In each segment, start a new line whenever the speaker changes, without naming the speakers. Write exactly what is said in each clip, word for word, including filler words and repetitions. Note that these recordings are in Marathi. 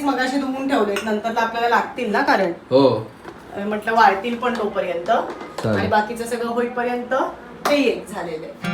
मगाशी धुवून ठेवलेत, नंतर आपल्याला लागतील ना, कारण
हो
म्हटलं वाळतील पण तोपर्यंत, आणि बाकीचं सगळं होईपर्यंत ते एक झालेलं आहे.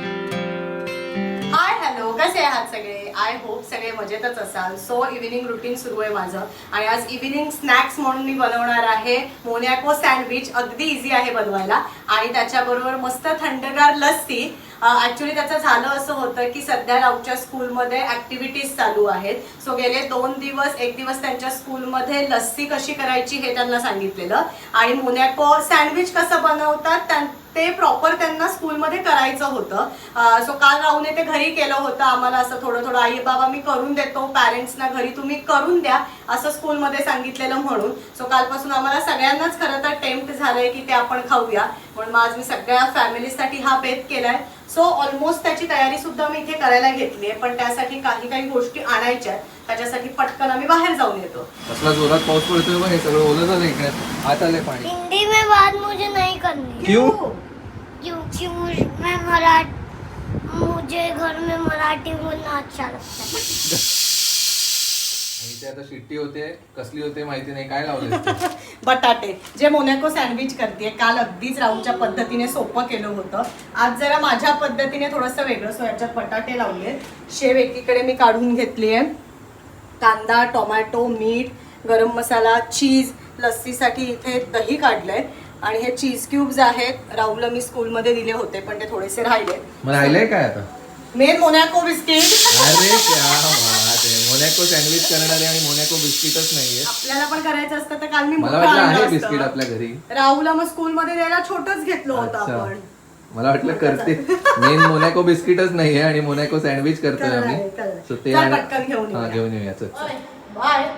हाय हॅलो, कसे आहात सगळे? आय होप सगळे मजेतच असाल. सो इव्हिनिंग रुटीन सुरू आहे माझं, आणि आज इव्हिनिंग स्नॅक्स म्हणून मी बनवणार आहे मोनॅको सँडविच. अगदी इझी आहे बनवायला, आणि त्याच्याबरोबर मस्त थंडगार लस्सी. ऍक्च्युली त्याचं झालं असं होतं की सध्या राऊच्या स्कूलमध्ये ऍक्टिव्हिटीज चालू आहेत. सो गेले दोन दिवस एक दिवस त्यांच्या स्कूलमध्ये लस्सी कशी करायची हे त्यांना सांगितलेलं, आणि मोनॅको सँडविच कसं बनवतात ते प्रॉपर त्यांना स्कूलमध्ये करायचं होतं. सो काल राहूने ते घरी केलं होतं. आम्हाला असं थोडं थोडं आई बाबा मी करून देतो, पॅरेंट्सना घरी तुम्ही करून द्या असं स्कूलमध्ये सांगितलेलं म्हणून. सो कालपासून आम्हाला सगळ्यांनाच खरं तर टेम्प्ट झालंय की ते आपण खाऊया, म्हणून आज मी सगळ्या फॅमिलीसाठी हा बेत केलाय. सो ऑलमोस्ट त्याची तयारी सुद्धा मी इथे करायला घेतली आहे, पण त्यासाठी काही काही गोष्टी आणायच्या आहेत. त्याच्यासाठी पटकन आम्ही बाहेर जाऊन येतो.
कसला जोरात पाऊस पडतोय बघ, हे सगळं ओलं झालं इकडे, आत आले पाणी.
हिंदी में बात मुझे नहीं करनी।
क्यों?
क्योंकि मुझे मैं मराठी मुझे घर में मराठी बोलना अच्छा लगता है.
आणि ते आता शिट्टी होते, कसली होते माहिती नाही, काय लावले
बटाटे जे मोनॅको सँडविच करते. काल अगदीच राऊच्या पद्धतीने सोपं केलं होतं, आज जरा माझ्या पद्धतीने थोडंसं वेगळं. सो याच्यात बटाटे लावले, शेव एकीकडे मी काढून घेतली आहे, कांदा, टोमॅटो, मीठ, गरम मसाला, चीज, लस्सीसाठी इथे दही काढलंय, आणि हे चीज क्यूब्स आहेत. राहुलला मी स्कूलमध्ये दिले होते पण ते थोडेसे राहिले.
मग राहिलंय काय आता?
Main Monaco biscuit.
अरे क्या बात आहे, मोनॅको सँडविच करणारे आणि मोनॅको बिस्किटच नाहीये.
आपल्याला पण करायचं असतं तर काल मी
मला वाटलं आहे बिस्किट आपल्या घरी.
राहुलला मग स्कूलमध्ये द्यायला छोटच घेतलं होतं आपण.
मला वाटलं करते, मेन मोनॅको बिस्किटच नाहीये आणि मोनॅको सँडविच करतोय आम्ही. सो ते
पटकन घेऊन
हा घेऊन येऊया. चल
बाय.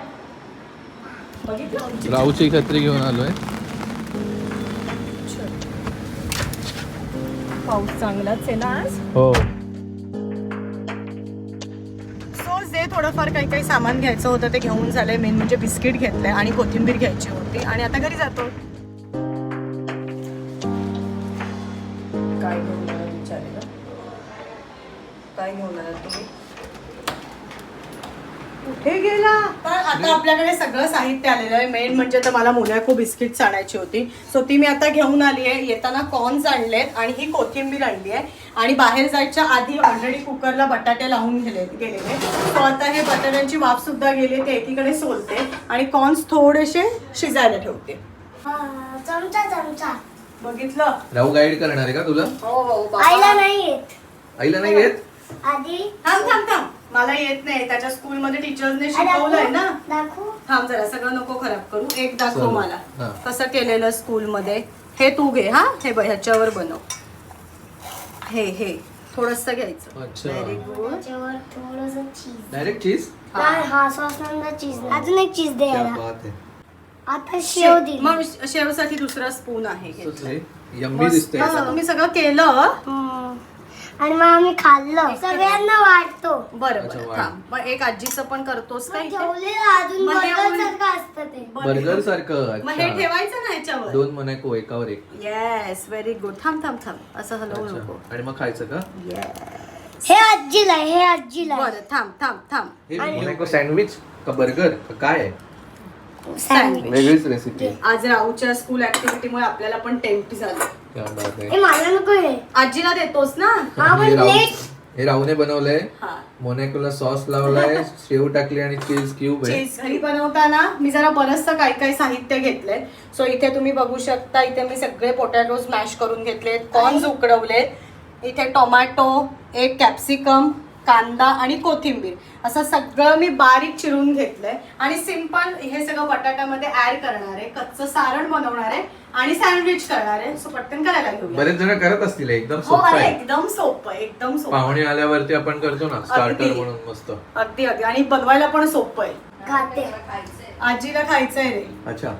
राऊची छत्री घेऊन आलोय.
पाऊस चांगलाच आहे ना आज.
हो.
सो जे थोडंफार काही काही सामान घ्यायचं होतं ते घेऊन झालंय. मेन म्हणजे बिस्किट घेतलंय आणि कोथिंबीर घ्यायची होती, आणि आता घरी जातो. काय घेऊन आला विचारेल, काय घेऊन आला तुम्ही, कुठे गेला? तर आता आपल्याकडे सगळं साहित्य आलेलं आहे. मेन म्हणजे तर मला मोनॅको बिस्किट्स आणायची होती, सो ती मी आता घेऊन आली आहे. येताना कॉर्न्स आणलेत आणि ही कोथिंबीर आणली आहे, आणि बाहेर जायच्या आधी ऑलरेडी कुकरला बटाटे लावून गेले गेलेले. सो आता हे बटाट्यांची वाफ सुद्धा गेली, ते एकीकडे सोलते आणि कॉर्न्स थोडेसे शिजायला ठेवते.
चमचा चमचा
बघितलं,
राहू गाईड करणार आहे का तुला?
हो हो.
आईला नाही येत.
आईला नाही येत?
आधी
थांब थांब थांब, मला येत नाही. त्याच्या स्कूलमध्ये टीचर्सने शिकवलंय ना.
दाखवू.
थांब जरा, सगळं नको खराब करू. एक दाखव
चल.
मला
हा.
कसं केलेलं स्कूलमध्ये. हे तू घे. हा हे बघ, ह्याच्यावर बनव. हे हे थोडस घ्यायचं.
अच्छा.
Very good.
त्याच्यावर थोडंसं चीज.
डायरेक्ट चीज?
नाही, हा सॉस नंतर चीज. अजून एक चीज दे
क्या
याला.
बात आहे.
आता शेव दिली.
मग शेवसाठी दुसरा स्पून आहे.
सुचले. यम्मी दिसतंय.
मस्त. तुम्ही सगळं केलं.
हम्म. आणि मग आम्ही खाल्लं, सगळ्यांना वाटतो.
बरं
अच्छा,
बरं
वाढ.
थांब. मग एक आजीचं पण करतोस का इथे?
ठेवलेलं अजून
मग हे
बर्गर सारखं असतं ते.
बर्गर सारखं.
मग हे
अच्छा.
ठेवायचं ना ह्याच्यावर.
दोन मोनॅको एकावर एक.
Yes, very good. थांब थांब थांब, असं हलवू नको.
अच्छा. आणि मग खायचं का?
येस.
हे आजीला आहे, हे आजीला आहे.
बरं थांब थांब थांब.
हे मोनॅको सँडविच का बर्गर का काय आहे?
सँडविच.
वेगळीच रेसिपी.
आज राऊच्या स्कूल ऍक्टिव्हिटीमुळे आपल्याला पण टेम्प्ट झालं.
क्या बात आहे.
हे मला नको हे.
आजीला देतोस ना.
हा
हे
पण
राहू-
प्लेट.
हे राहूने बनवलंय.
हा.
मोनॅकोला सॉस लावलाय, शेव टाकली आणि चीज क्यूब आहे.
चीज घरी बनवताना मी जरा बरचसं काही काही साहित्य घेतलंय. सो इथे तुम्ही बघू शकता, इथे मी सगळे पोटॅटो स्मॅश करून घेतलेत, कॉर्न्स उकडवलेत, इथे टोमॅटो, एक कॅप्सिकम, कांदा आणि कोथिंबीर असं सगळं मी बारीक चिरून घेतलंय. आणि सिंपल हे सगळं बटाट्यामध्ये ऍड करणार आहे, कच्चं सारण बनवणार आहे आणि सँडविच करणार आहे. सो पटकन करायला घेऊया.
बरेच जण करत असतील, एकदम
हो,
सोपं
अरे
आहे.
एकदम सोपं, एकदम सोपं.
पाहुणे आल्यावरती आपण करतो ना स्टार्टर
अगदी.
म्हणून मस्त.
अगदी अगदी, आणि बनवायला पण सोपं आहे.
खाते.
आजीला खायचंय रे.
अच्छा.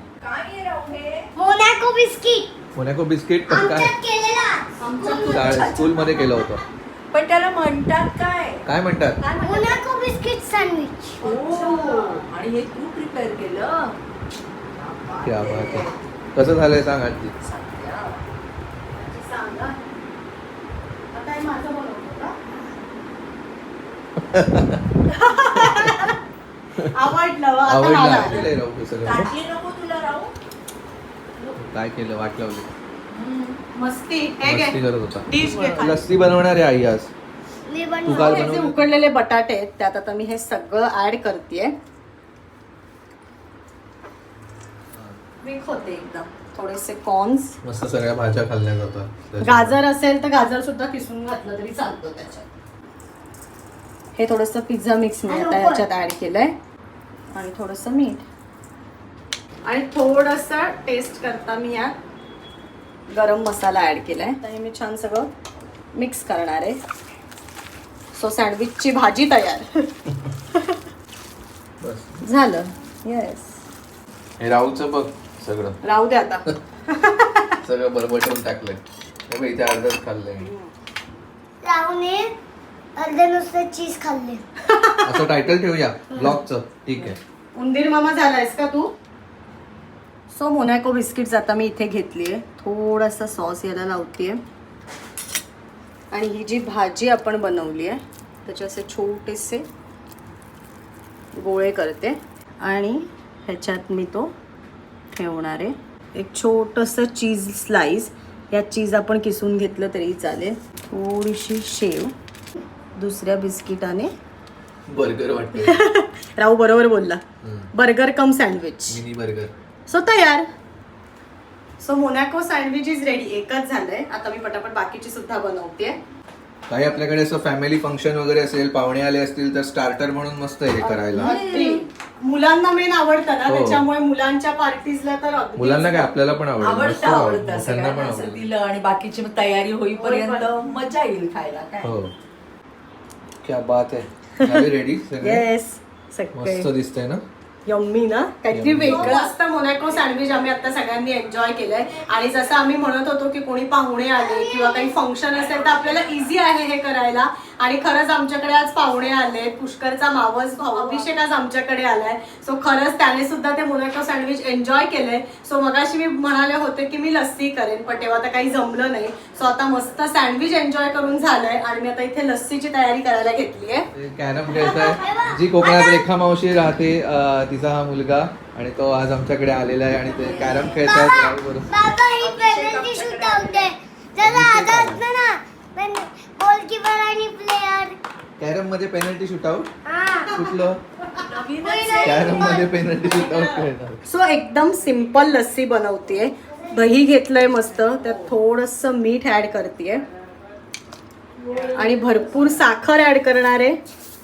मोनॅको बिस्किट
मोनॅको बिस्किट पण काय
आमच्यात केलेला.
आमचं
स्कूल मध्ये केलं होतं.
पण त्याला म्हणतात काय?
काय म्हणतात?
Monaco biscuit sandwich.
आणि हे तू प्रिपेअर केलं?
क्या बात आहे. कसं झालंय सांग आजी.
सांगा. आता हे माझं बनवतो का? आवडलं आता
आवडलं
मला.
आवडलंय राहू हे सगळं.
ताटली नको तुला राहू.
काय केलं वाट लावली
मस्ती हे
मस्ती
घे
करत होता
डिश घे खाली.
लस्सी बनवणार आहे आई आज
मी पण
तू काय
हे जे
बनवलं
उकडलेले बटाटे आहेत त्यात आता मी हे सगळं ऍड करतेय. विक होते एकदम थोडेसे कॉर्न्स.
मस्त सगळ्या भाज्या खाल्ल्या जातात
गाजर असेल तर गाजर सुद्धा किसून घातलं तरी चालतं त्याच्यात. हे थोडंसं पिझ्झा मिक्स मी आता याच्यात ऍड केलंय आणि थोडंसं मीठ आणि थोडंसं टेस्ट करता मी यात गरम मसाला ऍड केलाय. आता हे मी छान सगळं मिक्स करणार आहे. सो सँडविचची भाजी तयार
बस
झालं. येस
हे राहूचं बघ सगळं
राहू दे आता.
सगळं बरबटून टाकलंय हे बघ, इथे अर्धच खाल्लंय
राहूने अर्धे नुसते चीज खाल्ले.
असं टायटल ठेवूया ब्लॉगचं. ठीक आहे
उंदीर मामा झालायस का तू. सो मोनॅको बिस्किट्स आता मी इथे घेतली आहे. थोडासा सॉस याला लावते आणि ही जी भाजी आपण बनवली आहे त्याचे असे छोटेसे गोळे करते आणि ह्याच्यात मी तो ठेवणार आहे. एक छोटंसं चीज स्लाइस. या चीज आपण किसून घेतलं तरी चालेल. थोडीशी शेव. दुसऱ्या बिस्किटाने
बर्गर वाटतं
राहू बरोबर बोलला. Burger cum sandwich.
Mini burger.
So तयार. So Monaco sandwich is ready. एकच झालंय. आता मी पटापट बाकीची सुद्धा बनवते.
काही आपल्याकडे असं फॅमिली फंक्शन वगैरे असेल पाहुणे आले असतील तर स्टार्टर म्हणून मस्त आहे हे करायला.
अगदी. मुलांना मेन आवडतं ना
हो.
त्याच्यामुळे मुलांच्या पार्टीजला तर अगदीच.
मुलांना काय आपल्याला पण आवडेल मस्त
आवडतं
आवडेल.
आवडतं
त्यांना पण
सगळ्यांना असं
आवडेल.
दिलं आणि बाकीची मग तयारी होईपर्यंत मजा येईल खायला काय.
हो क्या बात आहे. झाले रेडी सगळे
येस सगळे
मस्त दिसतंय ना.
यम्मी ना काहीतरी
Yummy.
वेगळं असतं. मोनॅको सँडविच आम्ही आता सगळ्यांनी एन्जॉय केलंय आणि जसं आम्ही म्हणत होतो की कोणी पाहुणे आले किंवा काही फंक्शन असेल तर आपल्याला इझी आहे हे करायला. आणि खरंच आमच्याकडे आज पाहुणे आले. पुष्करचा मावस भाऊ अभिषेक आज आमच्याकडे आलाय. सो खरंच त्याने सुद्धा ते मोनॅको सँडविच एन्जॉय केलंय. सो मगाशी मी म्हणाले होते की मी लस्सी करेन पण तेव्हा तर काही जमलं नाही. सो आता मस्त सँडविच एन्जॉय करून झालंय आणि मी आता इथे लस्सीची तयारी करायला घेतली आहे.
कॅरम खेळताय. जी कोकणात रेखा मावशी राहते अं, तिचा हा मुलगा आणि तो आज आमच्याकडे आलेला आहे आणि ते कॅरम खेळतायत राहू बरोबर.
बाबा ही पेनल्टी शूट आउट आहे. जरा आधा असतं ना पण गोलकीपर आणि प्लेयर.
कॅरम मध्ये पेनल्टी शूट आउट
हा
कुठलं कॅरम मध्ये पेनल्टी शूट आउट खेळणार.
सो एकदम सिंपल लस्सी बनवतेय. दही घेतलंय मस्त त्यात थोडंसं मीठ ऍड करतेय आणि भरपूर साखर ऍड करणार आहे.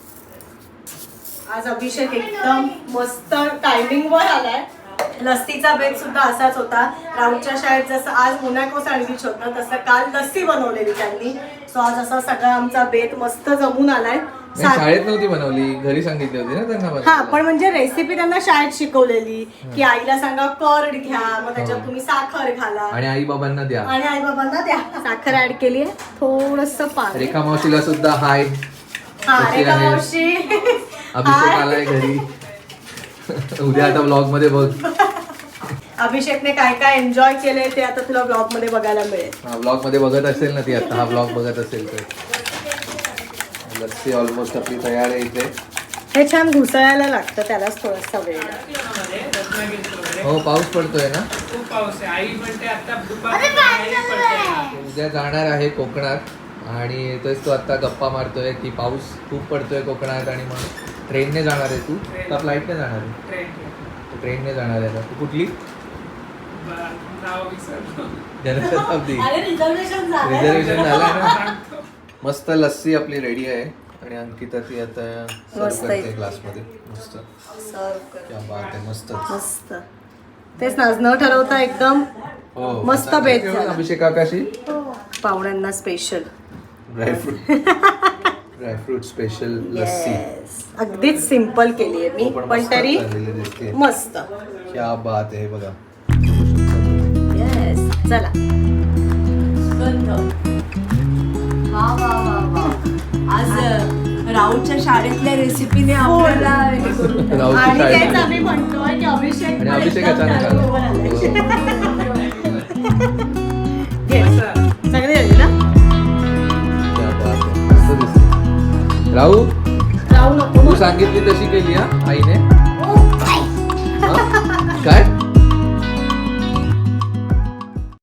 आज अभिषेक एकदम मस्त टायमिंग वर आलाय. लस्सीचा बेत सुद्धा असाच होता. राऊतच्या शाळेत जसं आज मोनॅको सँडविच होतं तसं काल लस्सी बनवलेली त्यांनी. सो आज असा सगळा आमचा बेत मस्त जमून आलाय.
नाही, शाळेत नव्हती बनवली घरी सांगितली होती ना त्यांना
हा
बनवायला.
पण म्हणजे रेसिपी त्यांना शाळेत शिकवलेली की आईला सांगा कर्ड घ्या मग त्याच्यात
हो.
तुम्ही साखर घाला
आणि आई बाबांना द्या.
आणि आई बाबांना द्या. साखर ऍड केली आहे थोडस पाणी.
रेखा मावशीला सुद्धा हाय.
हा
कशी
रेखा
आहे?
मावशी
अभिषेक
हाय.
आलाय घरी. उद्या आता ब्लॉग मध्ये बघ.
अभिषेकने काय काय एन्जॉय केलंय ते आता तुला ब्लॉग मध्ये बघायला मिळेल.
हा ब्लॉग मध्ये बघत असेल ना ती आता हा ब्लॉग बघत असेल तर. लस्सी ऑलमोस्ट आपली तयार आहे इथे.
हे छान घुसळायला लागतं त्यालाच थोडासा वेळ लागतो.
हो पाऊस पडतोय ना.
खूप पाऊस आहे. आई म्हणते आता
अरे पाणी चालू आहे.
उद्या जाणार आहे कोकणात आणि तोच तो आता गप्पा मारतोय की पाऊस खूप पडतोय कोकणात आणि मग ट्रेनने जाणार आहे. तू का फ्लाईटने जाणार आहे.
ट्रेन
ट्रेनने जाणार आहे. तू कुठली
नाव विसरलो.
जनशताब्दी.
अरे रिझर्वेशन झालं.
रिझर्वेशन झालं ना. मस्त लस्सी आपली रेडी आहे आणि अंकिता ती आता सर्व
मस्त
करते
आहे.
ग्लास मध्ये. मस्त
सर्व कर.
क्या बात आहे. मस्त
मस्त तेच ना न ठरवता एकदम
हो
मस्त
आता
बेत
ठेवू
झाला.
अभिषेक आकाशी
पाहुण्यांना special.
Dry fruit dry fruit special lassi.
Yes अगदीच सिंपल केली आहे मी
हो,
पण
मस्त
तरी
झालेली दिसते.
मस्त.
क्या बात आहे बघा.
येस चला.
सुगंध. वा वा वा वा. आज राऊतच्या शाळेतल्या रेसिपीने आपल्याला हे करून टाकलं.
राऊची
आणि
शाळेत
तेच
आली.
आम्ही म्हणतोय की अभिषेक
आणि
पण
अभिषेक
एकदम
अचानक आला.
त्याबरोबर आलाय.
हो.
घे. चांगली झाली ना.
क्या बात आहे. मस्त दिसते. राहू
जाऊ नको
तू
मग.
सांगितली तशी केली हा आईने.